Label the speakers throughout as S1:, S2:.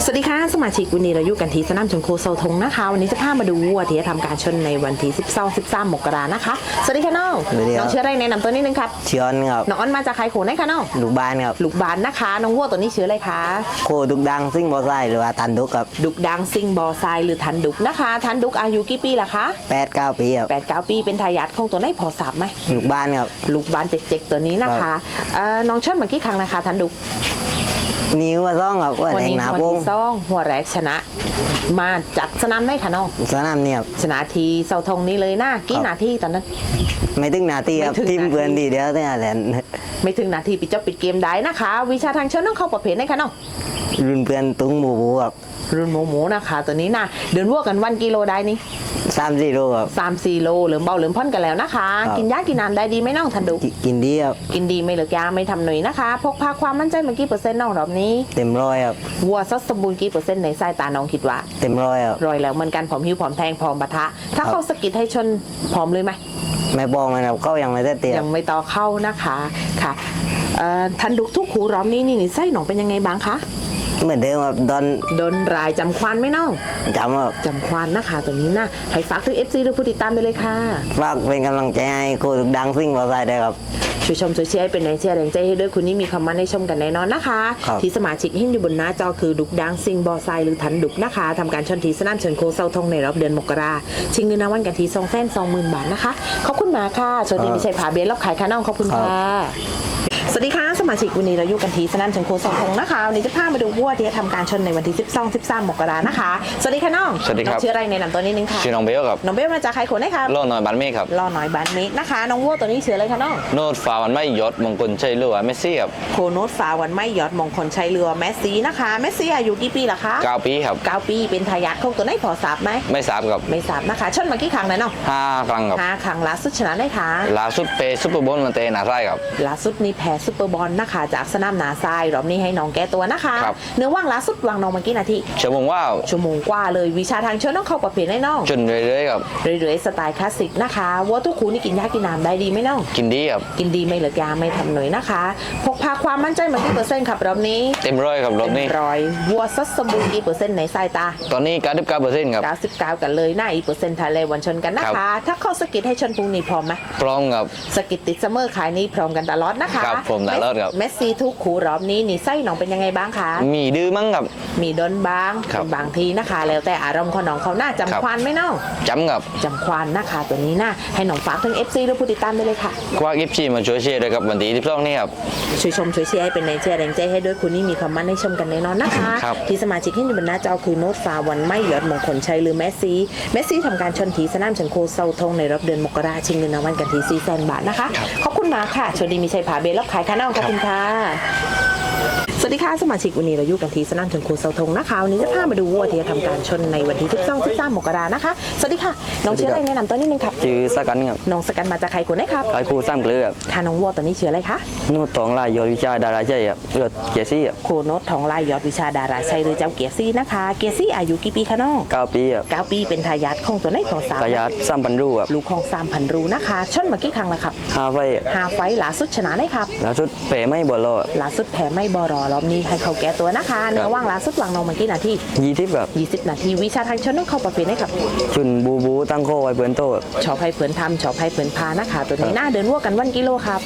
S1: สวัสดีค่ะสมาชิกวันนี้เราอยู่กันที่สนามชนโคเซาทงนะคะวันนี้จะพามาดูวัวที่จะทำการชนในวันที่12-13 มกรานะคะสวัสดีค่ะน้องน้องเชื่ออะไรแนะนำตัวนิดนึงครับ
S2: เชื่อนครับ
S1: น้องอ้อนมาจากใครโขนได้คะน้อง
S2: ลูกบ้านครับ
S1: ลูกบานนะคะน้องวัวตัวนี้ชื่ออะไรคะ
S2: โคดุกดังซิ่งบอไซหรือว่าทันดุกครับ
S1: ดุกดังซิงบอไซหรือทันดุกนะคะทันดุกอายุกี่ปีล่ะคะ
S2: 8-9 ปีครับ
S1: 8-9 ปีเป็นทายาทของตัวไหนพอทราบไหม
S2: ลูกบ้านครับ
S1: ลูกบานเจ๊กๆตัวนี้นะคะน้องชนมากี่ครั้งนะคะทันดุก
S2: นิ้วว่าซ่องครับว่าแดงหนาโป้ง
S1: ซ่องหัวแรกชนะมาจัดสนามได้ค่ะน้อง
S2: สนามเนี่ย
S1: ชนะทีเสาธงนี้เลยนะกี่นาทีตอนนั้น
S2: ไม่ถึงนาทีครับทีมเพื่อนดีเดียวเนี่ยแหละ
S1: ไม่ถึงนาทีปิดจบปิดเกมได้นะคะวิชาทางเชิญต้องเข้าประเภทไหนคะน้อง
S2: รุ่นเพื่อนตุ้งหมูครับ
S1: รุ่นหมูนะคะตัวนี้นะเดินวัวกันวันกิโลได้นี่
S2: 3-4 โลครับ
S1: 3-4 โลเหลือเบาเหลือพ่นกันแล้วนะคะกินยากินน้ำได้ดีไหมน้องทันดู
S2: กินดีครับ
S1: กินดีไม่เหลือยาไม่ทำหน่อยนะคะพกพาความมั่นใจเมื่อกี้%น้องรอบนี้
S2: เต็มร้อยครับ
S1: วัวซัดสมบูรณ์กี่%ในสายตาน้องคิดว่า
S2: เต็มร้อยครับ
S1: ร้อยแล้วเหมือนกันผอมหิวผอมแทงผอมปะทะถ้าเข้าสกิดให้ชนผอมเลยไหม
S2: ไม่บอกมันครับเขายังไม่ได้เตีย
S1: ยังไม่ต่อเข้านะคะค่ะทันดุทุกหูรอบนี้นี่ไส้หนองเป็นยังไงบ้างคะ
S2: เหมือนเดิมครับ
S1: โดนรายจำควานไหมน้อง
S2: จำครับ
S1: จำควานนะคะตัวนี้นะให้ฝากถึง FC หรือผู้ติดตามไปเลยค่ะ
S2: ฝากเป็นกำลังใจให้โคดุกดังซิ่งบอไซได้ครับ
S1: ช่วยชมช่วยเชียร์ให้เป็นแรงเชียร์แรงใจให้ด้วยคุณนี่มีคำมั่นให้ชมกันแน่นอนนะคะที่สมาชิกที่อยู่บนหน้าจอคือดุกดังซิงบอไซหรือทันดุกนะคะทำการชนทีสนามเชิญโคเซาทงในรอบเดือนมกราชิงเงินรางวัลกันที220,000 บาทนะคะขอบคุณมากค่ะสวัสดีมิชัยผาเบียร์รอบขายค่ะน้องขอบคุณค่ะสวัสดีค่ะสมาชิกวันนี้เราอยู่กันที่สนามชนโคเซาทงนะคะวันนี้จะพามาดูวัวที่จะทำการชนในวันที่12-13 มกรานะคะสวัสดีค่ะน้อง
S3: สวัสดีครับ
S1: ชื่ออะไรในนามตัวนี้นึงค่ะ
S3: ชื่อน้องเบลครับ
S1: น้องเบลมาจากใครคนได้ครับ
S3: ล่อน้อยบันเมฆครับ
S1: ล่อน้อยบันเมฆนะคะน้องวัวตัวนี้ชื่ออะไรคะน้อง
S3: โนดฟ้าวันไม่ยศมงคลชัยเรือเมสซี่ครับ
S1: โคโนตฟ้าวันไม่ยอดมงคลชัยเรือแมสซี่นะคะแมสซี่อายุกี่ปีล่ะคะ
S3: 9 ปีครับ
S1: 9 ปีเป็นทายาทของตัวไหนพอทราบไหม
S3: ไม่ทราบครับ
S1: ไม่ทราบนะคะชนมากี่ครั้งแล้วเนาะ
S3: 5 ครั้งครับ
S1: 5 ครั้งล่าสุดชนะได้ค่ะ
S3: ล่าสุดเปซุปเปอร์บอลมาเตะหนาไส้ครับ
S1: ล่าสุดนี่แพ้ซุปเปอร์บอลนะคะจากสนามนาทรายรอบนี้ให้น้องแก้ตัวนะคะเนื้อว่างล่าสุดวางน้องมากี่นาที
S3: ชั่วโมง
S1: กว่าเลยวิชาทางเชิญต้องเข้าประเภทให้น้อง
S3: จนเรื่อยๆครับ
S1: เรื่อยๆสไตล์คลาสสิกนะคะวัวทุกคูนี่กินยากินน้ำได้ดีไหมน้อง
S3: กินดีครับ
S1: กินดีไม่เหลือยาไม่ทำหน่อยนะคะพกพาความมั่นใจมากี่%ครับรอบนี้
S3: เต็มร้อยครับรอบนี้
S1: 100วัวซัดสมบูรณ์กี่%ในสายตา
S3: ตอนนี้99%ครับ
S1: 99กันเลยหน้าอีก%ทะเลวันชนกันนะคะถ้าเข้าสกิดให้ชนพรุ่งนี้พร้อมไหม
S3: พร้อมครับ
S1: สกิดติดเสมอขายนี้พร้อมกันตลอดนะคะ
S3: ครับผมตลอดครับ
S1: เมสซี่ทุกคู่รอบนี้นี่ไส้หนองเป็นยังไงบ้างคะ
S3: มีดื้อมั้งครับ
S1: มีดนบ้างบางทีนะคะแล้วแต่อารมณ์ของน้องเขาหน้าจำควานไหมน้อง
S3: จำครับ
S1: จำควานนะคะตัวนี้นะให้น้องฝากถึง FC หรือผู้ติดตามได้เลยค่ะ
S3: คว้าFCมาช่วยเชียร์ด้วยครับวันที่12นี่ครับ
S1: ช่วยชมช่วยเชียร์ให้เป็นแรงเชียร์แรงใจให้ด้วยคุณนี่มีความมั่นให้ชมกันแน่นอนนะคะที่สมาชิกที่อยู่บนหน้าจอคือโน้ตฟ้าวันไม่ยอดมงคลชัยหรือแมสซี่ทำการชนทีสนามเชิงโคเซาทงในรอบเดือนมกราชิงเงินรางวัลกันที่400,000 บาทนะคะขอบคุณมากค่ะสวัสดีมีชัยผาเบลล์ขายค่ะน้องขอบคุณค่ะสวัสดีค่ะสมาชิกวันนี้เราอยู่กันที่สนามชนโคเซาทงนะคะวันนี้จะพามาดูวัวที่จะทำการชนในวันที่12-13 มกรานะคะสวัสดีค่ะน้องชื่ออะไรแนะนำตัวนิดนึงครับ
S2: ชื่อสกันครับ
S1: น้องสกันมาจากใครคนไหนครับ
S2: ไอครูซ้ำเกลือ
S1: ค่ะน้องวัวตัวนี้ชื่ออะไรคะ
S2: นูตองลายยอดวิชาดาราชัยครับเลือดเกียร์ซี่ครับ
S1: โคโนตทองลายยอดวิชาดาราชัยหรือเจ้าเกียร์ซี่นะคะเกียร์ซี่อายุกี่ปีคะน้อง
S2: 9 ปีครับ
S1: 9 ปีเป็นทายาทของตัวไหนของสาว
S2: ทายาท3,000 รูครับ
S1: ลูกของ3,000 รูนะคะชนมากี่ครั้งแล้วครับ
S2: 5 ไฟ
S1: 5 ไฟล่าสุดชนะได้ครับ
S2: ล่าสุดแพ้ไม่บอล
S1: ล่าสุดแพ้ไม่บอรอรอบนี้ให้เขาแก้ตัวนะคะเนื้อว่างล่าสุดวางน้องมากี่นาที
S2: 20ครับ
S1: 20 นาทีวิชาทางชนต้องเข้าประเภทได้ครับ
S2: ชุนบูตั้งโคไว้เพื่อนโต
S1: ชอบให้เพื่อนทำชอบให้เพื่อนพานะคะตัวนี้หน้าเดินวัวกันวันกิโลครับ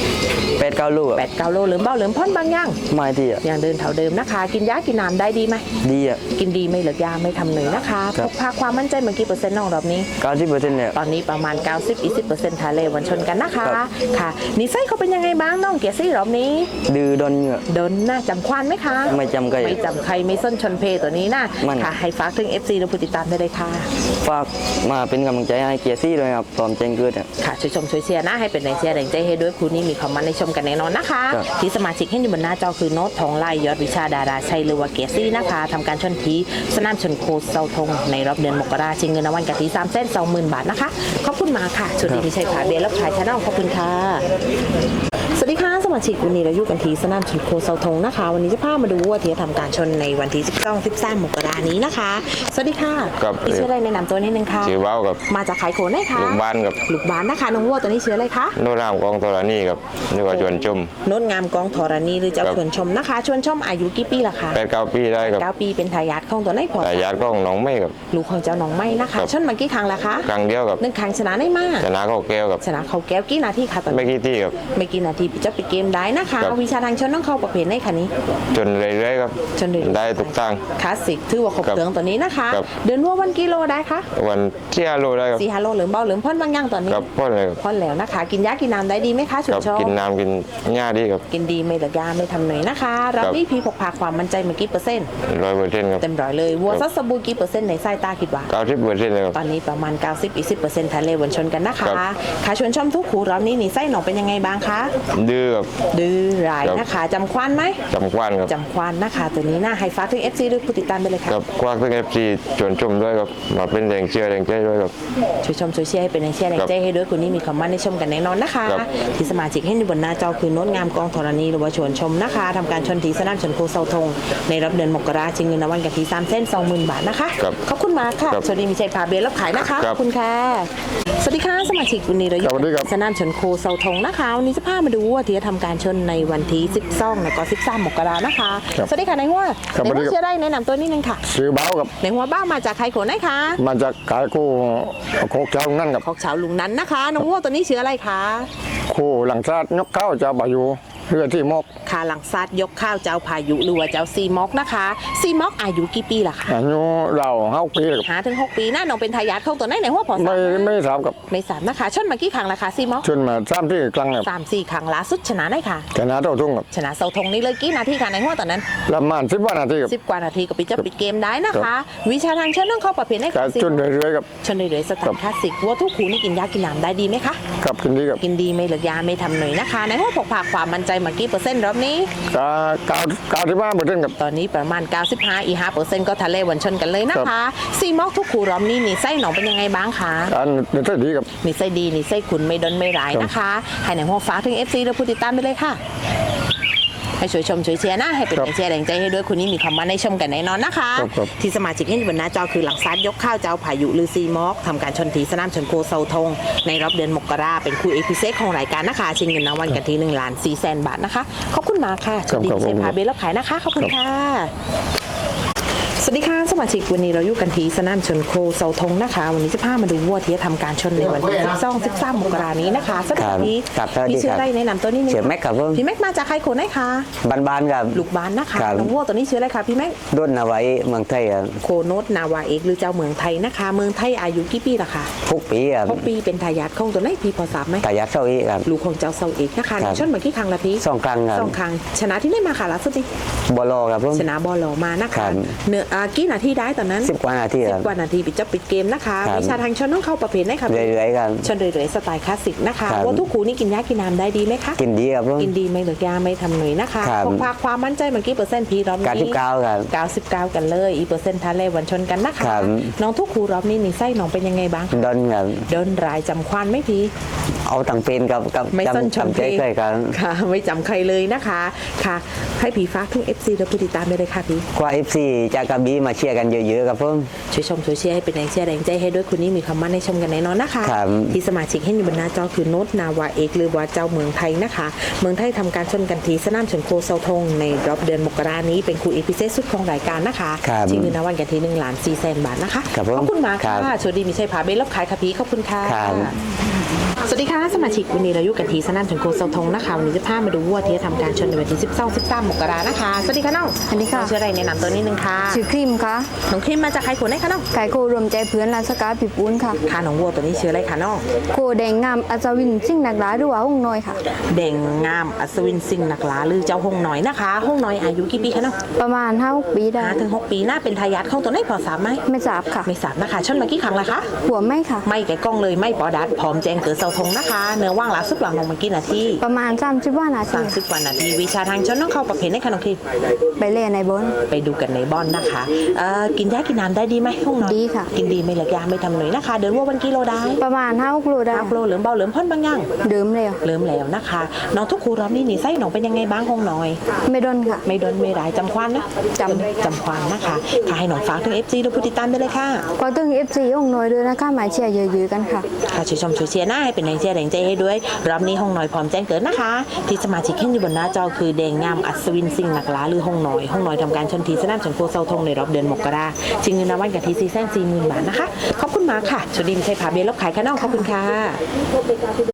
S2: 8-9 ลูก
S1: 8-9 โลเหลือเบาเหลือพ่นบางอย่าง
S2: ไม่ที่
S1: อย่างเดินเท่าเดิมนะคะกินยากินน้ำได้ดีไหม
S2: ดีอ่ะ
S1: กินดีไม่เหลือยาไม่ทำเหนื่อยนะคะพกพาความมั่นใจเมื่อกี้%น้องรอบนี้
S2: 90%เนี่ย
S1: ตอนนี้ประมาณ90-20%ทะเลวันชนกันนะคะค่ะนิสัยเขาเป็นยังไงบ้างน้องเกียรซี่รอบนี้
S2: ดื้อดนเหงื่อ
S1: ดนน่าจำควานไหมคะ
S2: ไม่จำใคร
S1: ไม่จำใครไม่ส้นชนเพตัวนี้นะค่ะให้ฝากถึง FC และผู้ติดตามได้เลยค่ะ
S2: ฝากมาเป็นกำลังใจให้เกียร์ซี่ด้วยครับพร้อมแจ้งเกิด
S1: ค่ะช่วยชมช่วยเชียร์นะให้เป็นแรงเชียร์แรงใจให้ด้วยคุณนี่มีความมั่นในชมกันแน่นอนนะคะที่สมาชิกที่อยู่บนหน้าจอคือโน้ตทองไล่ยอดวิชาดาราชัยหรือว่าเกียร์ซี่นะคะทำการชนทีสนามชนโคเซาทงในรอบเดือนมกราชิงเงินรางวัลกันที่320,000 บาทนะคะขอบคุณมาค่ะสวัสดีมิชัยผาเบียร์รับขายชาแนลขอบคุณค่ะสวัสดีค่ะสมาชิกวันนี้เราอยู่กันที่สนามชนโคเซาทงนะคะ วันนี้จะพามาดูวัวที่จะทำการชนในวันที่12-13 มกรานี้นะคะสวัสดีค่ะ
S4: ครับ
S1: พี่ชื่ออะไรแนะนำตัวนิดนึงค่ะ
S4: ชื่อเบ้ากับ
S1: มาจากขายโขนได้ค่ะ
S4: ลูกบ้านกับ
S1: ลูกบ้านนะคะน้องวัวตัวนี้ชื่ออะไรคะ
S4: โนรามกองธรณีกับนึกว่าชวนชม
S1: โน้ตงามกองธรณีหรือเจ้า
S4: ครับ
S1: ชวนชมนะคะชวนชมอายุกี่ปีล่ะคะ
S4: 8-9 ปีได้กับ
S1: 9 ปีเป็นทายาทของตัวไหนพอ
S4: แต่ญาติก็ของน้องไม่กับ
S1: ลูกของเจ้าน้องไม้นะคะ
S4: ครับ
S1: ชนมากี่ครั้งแล้วคะ
S4: ครั้งเดียวกับ
S1: 1 ครั้งชนะได้มาก
S4: ชนะเขาแก้วกับ
S1: ชนะเขาแก้วกี่นาทีคะตอน
S4: ไม่
S1: นี้
S4: กี่ที่กับ
S1: ไม่กี่นาทีจะไปเกมได้นะคะ
S4: ครับ
S1: วิชาทางชนต้องเข้าประเภทไหนคะนี้
S4: จนเรื่อยๆครับ
S1: ชนเรื่อยๆ
S4: ได้ทุกทาง
S1: คลาสสิกถือว่าครบ
S4: ครับ
S1: เครื่องตัวนี้นะคะ
S4: ครับ
S1: เดินวัววันกิโลได้คะ
S4: วันที่5 โลได้กับ
S1: 4-5 โลเหลือเบาเหลือพ่นบางอย่างตอนนี้
S4: กับพ่อเลยกับ
S1: พ่นแล้วนะคะ กินยากินน้ำได้ดีไหมคะชุ
S4: กั
S1: ด
S4: บ
S1: ชอบ
S4: กินน้ำกินหญ้าดีกับ
S1: กินดีไม่เหลือยาไม่ทำหน่อยนะคะเรา
S4: ครับ
S1: นี่พี่พกพาความมั่นใจเมื่อกี้เปอร์เซ็นต์
S4: 100%ครับ
S1: เต็มร้อยเลยวัว
S4: ครับ
S1: ซัสสบูกี่เปอร์เซ็นต์ในสายตาคิดว่า
S4: 90%เลยครับ
S1: ตอนนี้ประมาณ 90-10%ทะเลวนชนกันนะคะ
S4: ครับ
S1: ขาชวนชมทุกขูรอบนี้นี่ไส้หนองเป็นยังไงบ้างคะ
S4: ดื้อกับ
S1: ดื้อร้าย
S4: ครับ
S1: นะคะจำควันไหม
S4: จำควันกับ
S1: จำควันนะคะตัวนี้น่าให้ฟ้ากถึง FC ด้วยผู้ติดตามไปเลยค่ะ
S4: กับควักทั้ง FC ชวนชมด้วยกับมาเป็นแรงเชียร์แรงใจด้วยกับ
S1: ช่วยชมช่วยเชียร์ให้เป็นแรงเชียร์แรงใจให้ด้วยคุณนี่มีความมั่นในชมกันแน่นอนนะคะ
S4: ครับ
S1: ที่สมาชิกให้อยู่บนหน้าจอคือโน้ตงามกองธรณีหรือว่าชวนชมนะคะทำการชนทีสนามชนโคเซาทงในรับเดือนมกราชิงเงินรางวัลกันที่320,000 บาทนะคะ
S4: ครับ
S1: ขอบคุณมากค่ะ
S4: ครับ
S1: สวัสดีมีชัยพาเบลรับขายนะคะ
S4: ค
S1: ข
S4: รั
S1: อ
S4: บบ
S1: คุณค่ะสวัสดีค่ะสมาชิกวันนี้เราอยู่
S4: สวัสดีครับ
S1: สนามชนโคเซาทงนะคะวันนี้จะพามาดูว่าที่จะทำการชนในวันที่12แล้วก็13 มกรานะคะ
S4: ครับ
S1: สวัสดีค่ะนายหัว
S4: ครับ
S1: นาย
S4: สวั
S1: หั
S4: สดีครับ
S1: วเชื่อได้แนะนำตัวนิดนึงค่ะ
S4: ซื้อเบ้ากับ
S1: นายหัวบ้ามาจากใครโขนได้คะ
S4: มาจากขายคู่โคกเจ้านั่นกับ
S1: ของชาวลุงนั้นนะคะน้องวัวตัวนี้ชื่ออะไรคะ
S4: คู่หลังชาติยกเข้าจะบาอยู่เพื่อที่มก
S1: คาหลังซัดยกข้าวเจ้าพายุหรือว่าเจ้าซีม็อกนะคะซีม็อกอายุกี่ปีล่ะคะ
S4: อายุเรา5 ปีกับ
S1: 5 ถึง 6 ปีน่าน้องเป็นทายาทของตัวไหนไหนหัวพอสา
S4: ไม่ทราบกับ
S1: ไม่สามนะคะชนมากี่ครั้งละคะซีม็อก
S4: จนมา3 ที่ครั้งกับ
S1: 3-4 ครั้งล่าสุดชนะได้ค่ะ
S4: ชนะเท่าทุ่งกับ
S1: ชนะเสาธงนี่เลยกี่นาทีค่ะในหัวตอนนั้น
S4: ประมาณ10 วันนาทีกับ
S1: 10 กว่านาทีก็ปิดจะปิดเกมได้นะคะ วิชาทางเชิญต้องเข้าประเภทไหน
S4: กา
S1: คะ
S4: ร
S1: ซี
S4: จน
S1: ม็อก
S4: เรื่อยๆกับ
S1: ชนเลยๆสไตล์คลาสสิกวัวทุกขูนี่กินยากินน้ำได้ดีไหมคะ
S4: กับกินดีกับ
S1: กินดีไม่เหลือยาไม่ทำหน่อยนะคะในหัวพกพาความมั่นใจมากี่เปอร์เซ็นต์รอบนี้
S4: 95% กับ
S1: ตอนนี้ประมาณ 95 อีก 5%ก็ทะเลวันชนกันเลยนะคะซีม็อกทุกขูรอมนี่นี่ไส้หนองเป็นยังไงบ้างคะ
S4: การเดินดีกับ
S1: นี่ไส้ดีนี่ไส้ขุนไม่ดนไม่ร้ายนะคะให้ในหัวฟ้าถึง FC และผู้ติดตามไปเลยค่ะให้ช่วยชมช่วยเชียร์นะให้เป็นแรงเชียร์แรงใจให้ด้วยคุณนี่มีความมั่นในชมกันแน่นอนนะคะ ที่สมาชิกที่อยู่บนหน้าจอคือหลังซัดยกข้าวเจ้าพายุหรือซีม็อกทำการชนทีสนามชนโคเซาทงในรอบเดือนมกราเป็นคู่เอพิเซของรายการนะคะชิงเงินรางวัลกันที่1,400,000 บาทนะคะขอบคุณมากค่ะสวัสดีเซพาเบลรับขายนะคะขอบคุณค่ะสวัสดีค่ะสมาชิกวันนี้เราอยู่กันที่สนามชนโคเซาทงนะคะวันนี้จะพามาดูวัวที่จะทำการชนในวันที่12-13 มกรานี้นะคะสวัสดี
S5: ครับสวัสดี
S1: พี่ชื่อ
S5: ครับ
S1: อะไรแนะนำตัวนี้นึง
S5: ชื่อแม็กครับผม
S1: พี่แม็กมาจากใครโคนไหนคะ
S5: บ้านๆครับ
S1: ลูกบ้านนะคะ
S5: ครับ
S1: น้องวัวตัวนี้ชื่ออะไรคะพี่แม็ก
S5: ด้นเอาไว้เมืองไทยครับ
S1: โคโนตนาวาเอกหรือเจ้าเมืองไทยนะคะ เมืองไทยอายุกี่ปีล่ะคะ
S5: 6 ปีครับ
S1: 6 ปีเป็นทายาทของตัวไหนพี่พอทราบไหม
S5: แต่ยักษ์เศร้าอีกครับ
S1: ลูกของเจ้าเซาเอกนะคะ
S5: ครับ
S1: ชนมากี่ครั้งละพี่
S5: 2 ครั้งครับ
S1: 2 ครั้งชนะที่ได้มาค่ะล่าสุดนี้
S5: บอลครับผม
S1: ชนะบอลลมานะ
S5: ครั
S1: คะ
S5: บ
S1: เนื้อกี่นาทีได้ตอนนั้น
S5: 10 กว่านาทีครับ
S1: 10 กว่านาทีปิดจบปิดเกมนะคะ
S5: ครับ
S1: วิชาทางชนต้องเข้าประเภทไหนคะพี่
S5: เรื่อยๆครับ
S1: ชนเรื่อยๆสไตล์คลาสสิกนะคะ
S5: ครับ
S1: ว่าทุกคูนี่กินยากินน้ำได้ดีไหมคะ
S5: กินดีครับผม
S1: กินดีไม่เหลือยาไม่ทำหน่วยนะคะ
S5: ครับ
S1: พกพาความมั่นใจเมื่อกี้เปอร์เซ็นต์พี่รอบนี้
S5: 99ครับ
S1: 99 กันเลยอีเปอร์เซ็นต์ทะเลวันชนกันนะคะ
S5: ครับ
S1: น้องทุกครูรอบนี้นี่ไส้น้องเป็นยังไงบ้าง
S5: ดอนครับ
S1: เดินรายจำควันไหม่พี่
S5: เอาตังเป็นกับ
S1: ไม่ซ่อนชม
S5: ใจเคยกัน
S1: ค่ะ ไม่จำใครเลยนะคะค่ะ ให้ผีฟ้าทุก FC และผู้ติดตามได้เลยค่ะพี่
S5: กว่า FC จากกระบี่มาเชียร์กันเยอะๆครับผม
S1: ช่วยชมช่วยเชียร์ให้เป็นแรงเชียร์แรงใจให้ด้วยคุณนี่มีความมั่นในชมกันแน่นอนนะคะ
S5: ครับ
S1: ที่สมาชิกให้อยู่บนหน้าจอคือโนตนาวาเอกหรือว่าเจ้าเมืองไทยนะคะ เมืองไทยทำการชนกันทีสนามชนโคเซาทงในรอบเดือนมกรานี้เป็นคู่เอพิเซสุดของรายการนะคะ
S5: ครับ
S1: ชิงเงินรางวัลกันที่1,400,000 บาทนะคะ
S5: ครับผม
S1: ขอบคุณมาก
S5: ครั
S1: ค่ะ
S5: บ
S1: สวัสดีมีชัยพาเบลรับขายค่ะพี่ขอบคุณค่ะ
S5: ครับ
S1: สวัสดีค่ะสมาชิกวันนี้เราอยู่กันที่สนามชนโคเซาทงนะคะวันนี้จะพามาดูวัวที่จะทำการชนในวันที่12-13 มกรานะคะสวัสดีค่ะน้อง
S6: สวัสดีค่ะ
S1: น้องชื่ออะไรแนะนำตัวนิดนึงค่ะ
S6: ชื่อครีมค่ะ
S1: น้องครีมมาจากใครคนไหนคะน้อง
S6: ไก่โครวมใจเพื่อนลานสกาปีปูนค่ะ
S1: ค่ะน้องวัวตัวนี้ชื่ออะไรคะน้อง
S6: โคแดงงามอัศวินซิ่งนักร้ายหรือว่าห้องน้อยค่ะ
S1: เด่งงามอัศวินสิงห์นักลาหรือเจ้าหงน้อยนะคะหงน้อยอายุกี่ปีคะน้อง
S6: ประมาณ5-6 ปีได้
S1: 5-6 ปีน่าเป็นทายาทของตัวไหนพอทราบไหม
S6: ไม่ทราบค่ะ
S1: ไม่ทราบนะคะชนมากี่ครั้งละคะ
S6: หัวไม่ค่ะ
S1: ไม่แกะกล้องเลยไม่ปอดัดพร้อมแจ้งเกิดเซาทงนะคะเนื้อว่างหลาสุดหลังลงมากี่นาที
S6: ประมาณ30ว่านาที
S1: 30 กว่านาทีวิชาทางชนต้องเข้าประเภทในขนมที
S6: ไปเล่นในบน
S1: ไปดูกันในบอนนะคะกินยากินน้ำได้ดีไหมห้องนอน
S6: ดีค่ะ
S1: กินดีไม่เหลือยาไม่ทำหน่อยนะคะ เดินว่าวันกิโลได้
S6: ประมาณ5-6 โลได้
S1: 5 โลเหลือมเบาเหลือมพ่นบางอย่าง
S6: เดิมแล้ว
S1: เริ่มแล้วนะคะน้องทุกครูรอบนี้หนีไส้น้องเป็นยังไงบ้างห้องน้อย
S6: ไม่ดนค่ะ
S1: ไม่โดนไม่ร้ายจำควันนะ จำควันนะคะค่ะให้น้องฝากถึง FC ดูผู้ติดตามได้เลยค่ะ
S6: ก็ตึง FC องค์น้อยด้วยนะคะมาเชียร์เยอะๆกันค่ะ
S1: ค่ะช่วยชมช่วยเชียร์หน้าให้เป็นแรงเชียร์แรงใจให้ด้วยรอบนี้ห้องน้อยพร้อมแจ้งเกิดนะคะ ที่สมาชิกขึ้นอยู่บนหน้าจอคือแดงงามอัศวินสิงห์หนักล้าหรือห้องน้อยทำการชนทีสนามชนโคเซาทงในรอบเดือนมกราชิงเงินรางวัลกับที440,000 บาทนะคะขอบคุณมากค่ะชวดีมใช้ผาเบียร์ลบขายข้างนอกขอบคุณค่ะ